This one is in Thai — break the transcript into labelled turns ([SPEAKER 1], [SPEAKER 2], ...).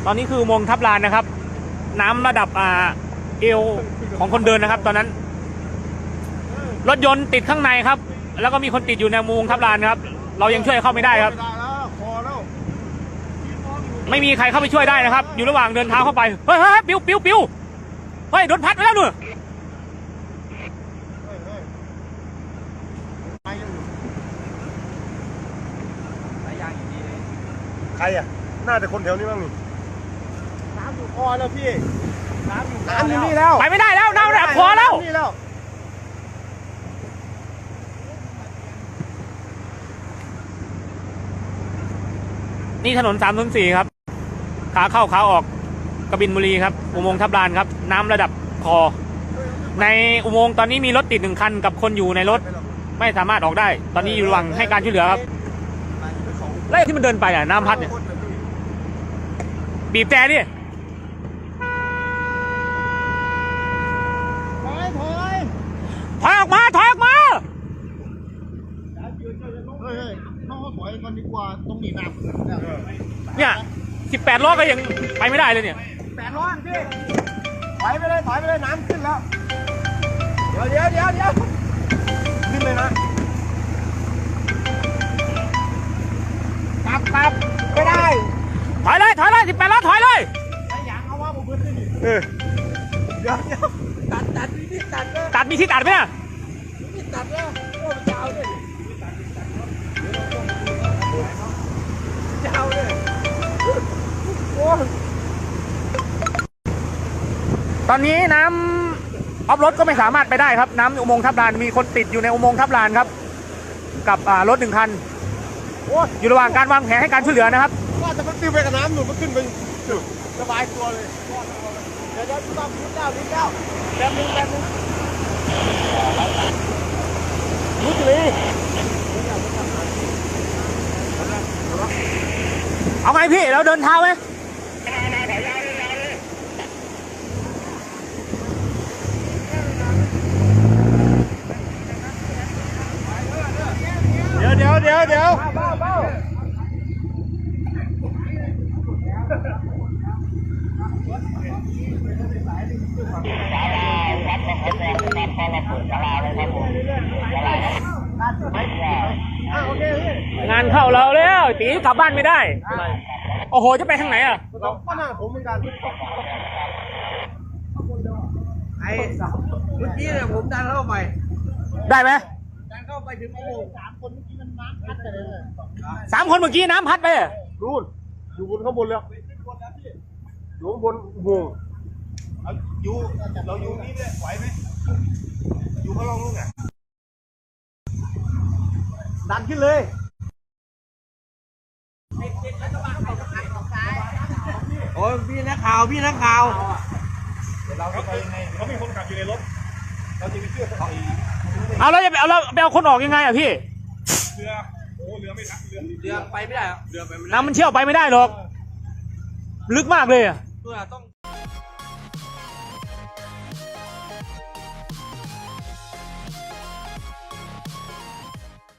[SPEAKER 1] ตอนนี้คืออุโมงค์ทับลานนะครับน้ำระดับเอวของคนเดินนะครับตอนนั้นรถยนต์ติดข้างในครับแล้วก็มีคนติดอยู่ในอุโมงค์ทับลานครับเรายังช่วยเข้าไม่ได้ครับไม่มีใครเข้าไปช่วยได้นะครับอยู่ระหว่างเดินเท้าเข้าไปเฮ้ยปิ้วเฮ้ยโดนพัดไปแล้วหนู
[SPEAKER 2] ใครอ่ะน่าจะคนแถวนี้บ้างนี่น้ำอยู่คอแล้วพี่น้ำอยู่นี่แล้ว
[SPEAKER 1] ไปไม่ได้แล้วน้ำระดับคอแล้วนี่ถนน304ครับขาเข้าขาออกกบินบุรีครับอุโมงค์ทับลานครับน้ำระดับคอในอุโมงค์ตอนนี้มีรถติด1 คันกับคนอยู่ในรถไม่สามารถออกได้ตอนนี้อยู่ระหว่างให้การช่วยเหลือครับแล้วที่มันเดินไปน้ำพัดเนี่ยบีบแต่ดิถอยออกมา
[SPEAKER 2] เฮ้ยเขาถอยกันดีกว่าตรงนี้น้ำ
[SPEAKER 1] เนี่ย18 ล้อก็ยังไปไม่ได้เลยเนี่ย
[SPEAKER 2] 8 ล้อพี่ถอยไปเลยน้ำขึ้นแล้วเดี๋ยวขึ้นเลยนะกลับไม่ได้
[SPEAKER 1] ถอยเลย18 ล้อถอยเลย
[SPEAKER 2] ไอ้ยังเอาว่าผมขึ้นนี่เดี๋ยว
[SPEAKER 1] ตัดมีที่ตัดไหมนะ
[SPEAKER 2] มีตัดแล้วโอ้ยาวเลยโอ้
[SPEAKER 1] ตอนนี้น้ำออฟรถก็ไม่สามารถไปได้ครับน้ำอุโมงค์ทับลานมีคนติดอยู่ในอุโมงค์ทับลานครับกับรถ1 คันอยู่ระหว่างการวางแผนให้การช่วยเหลือนะครับ
[SPEAKER 2] ว่าจะมันติ้วไปกับน้ำหนุนมันขึ้นไปสบายตัวเลยเดี๋ยวต้องนิดเดียวแป๊บนึงรู้สิ
[SPEAKER 1] เอาไงพี่เราเดินเท้าไหม
[SPEAKER 2] เดี๋ยว
[SPEAKER 1] งานเข้าเราแล้วตีกลับบ้านไม่ได้โอ้โหจะไปทางไหนอ่ะ
[SPEAKER 2] ก็น่าผมเหมือนกันไอ้เมื่อกี้เนี่ยผมดันเข้าไป
[SPEAKER 1] ได้ไหม
[SPEAKER 2] ดันเข้าไปถึงโอ้โห3 คนเมื่อกี้มันน้ำพัดไปเลย
[SPEAKER 1] 3 คนเมื่อกี้น้ำพัดไป
[SPEAKER 2] นู่นอยู่บนข้างบนแล้วอยู่บนอุโมงค์เราอยู่นี่เลยไหวไหมอยู่ข้างล่างนู่นไงดันขึ้นเลยโอ้ยพี่นักข่าวเดี๋ยวเราไปยังไงเขามีคนขับอยู่ในรถเราจะไปเชื่อเขา
[SPEAKER 1] เอาแล้วจะไปเอาคนออกยังไงอ่ะพี่
[SPEAKER 2] เรือไม่ทันเรือไปไม่ได้เรือไปไม่ได้
[SPEAKER 1] น้ำมันเชี่ยวไปไม่ได้หรอกลึกมากเลยอ่ะ
[SPEAKER 2] ต้อง